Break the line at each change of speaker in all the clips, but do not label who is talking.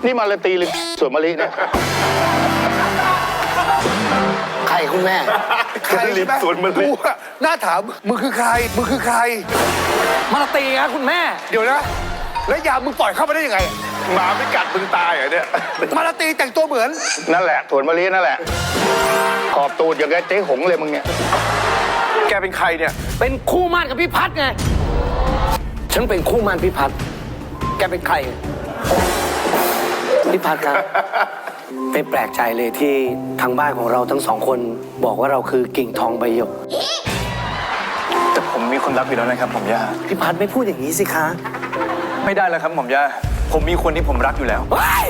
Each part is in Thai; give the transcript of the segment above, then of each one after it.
นี่มาลาตีหรือสวนมะลิเนี่ย
ใครคุณแม่
ใครใช่ไหมกูอะน่าถามมึงคือใครมึงคือใคร
มาลาตีครับคุณแม่
เดี๋ยวนะ แล้วยามมึงปล่อยเข้ามาได้ยังไง
หมาไม่กัดมึงตายเหรอเนี่ย
มาลาตีแต่งตัวเหมือน
นั่นแหละสวนมะลินั่นแหละ ขอบตูดอย่างกับเจ๊หงเลยมึงเนี่ย
แกเป็นใครเนี่ย
เป็นคู่หมั่นกับพี่พัดไง ฉันเป็นคู่หมั่นพี่พัด แกเป็นใคร พี่พัดครับ ไม่แปลกใจเลยที่ทางบ้านของเราทั้งสองคนบอกว่าเราคือกิ่งทองใบหยก
แต่ผมมีคนรักอยู่แล้วนะครับหม่อมย่า
พี่พัดไม่พูดอย่างนี้สิคะ
ไม่ได้แล้วครับหม่อมย่า ผมมีคนที่ผมรักอยู่แล้ว
เฮ้ย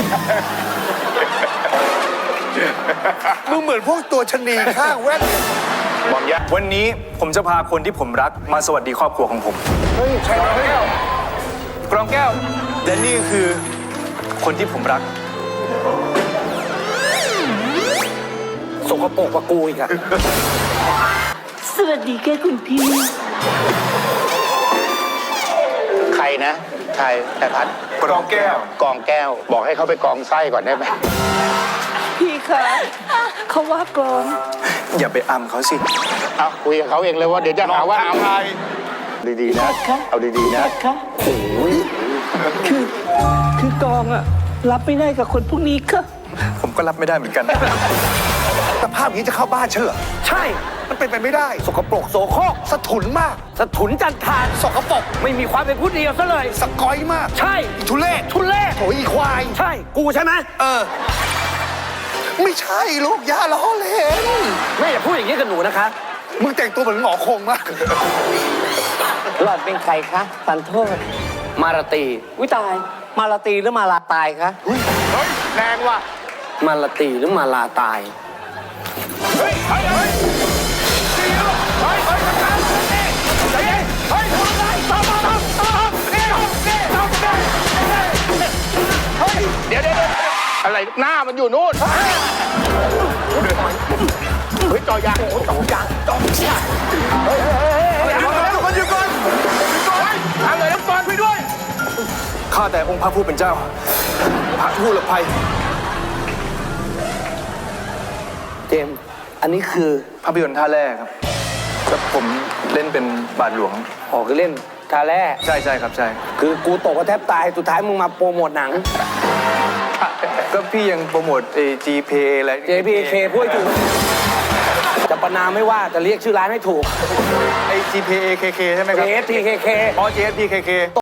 มึงเหมือนพวกตัวชะนีข้างแว่นเนี่ย
หม่อมยะ
วันนี้ผมจะพาคนที่ผมรักมาสวัสดีครอบครัวของผม
เฮ้ยใช่ไหม
กรองแก้ว และนี่คือคนที่ผมรัก
สกปรกกว่ากูอีกอะ
สวัสดีค่ะคุณพี่
ใครนะใครแต่พัด
กรองแก้ว
กองแก้ว บอกให้เขาไปกองไส้ก่อนได้ไหม
พี่คะเขาว่ากลอง
อย่าไปอำเขาสิ
เอาคุยกับเขาเองเลยว่าเดี๋ยวจะหาว่าเอาดีๆนะ เอาดีๆนะ
คะคือกองอะรับไม่ได้กับคนพวกนี้ค่ะ
ผมก็รับไม่ได้เหมือนกัน
สภาพนี้จะเข้าบ้านฉันเหรอ
ใช่
มันเป็นไปไม่ได้
สกปรกโสโครก
สะถุนมาก
สะถุนจันทาน
สกปรก
ไม่มีความเป็นผู้ดีเอาซะเลย
สกอยมาก
ใช่
อีทุเรศ
ทุเล่
โถอีควาย
ใช่ กูใช่ไหม
ไม่ใช่ลูกย่าล้อเล่น
แม่อย่าพูดอย่างนี้กับหนูนะคะ
มึงแต่งตัวเหมือนหมอคงมาก
หลอดเป็นใครคะปันโทษ
มาราตี
วิตาย มาลาตีหรือมาลาตายคะ
เฮ้ยแรงว่ะ
มาราตีหรือมาลาตาย
เดี๋ยวอะไรหน้ามันอยู่นู่น เฮ้ยจอยางจอยางเฮ้ยทุกคนหยุดก่อนทำเลยน้ำตอนไปด้วย
ข้าแต่องค์พระผู้เป็นเจ้า พระผู้หลบภัย
เจมส์อันนี้คือ
ภาพยนตร์ท่าแรกครับแล้วผมเล่นเป็นบาทหลวง
ออกเล่นทาแร่
ใช่ใช่ครับใช่
คือกูตกก็แทบตาย สุดท้ายมึงมาโปรโมทหนัง
ก็พี่ยังโปรโมทGP อะไร
JPK พูดให้ถูก จะประนามไม่ว่าจะเรียกชื่อร้านให้ถูก
GPAKK ใช่ไหมครับ
JFTKK
อ๋อ JFTKK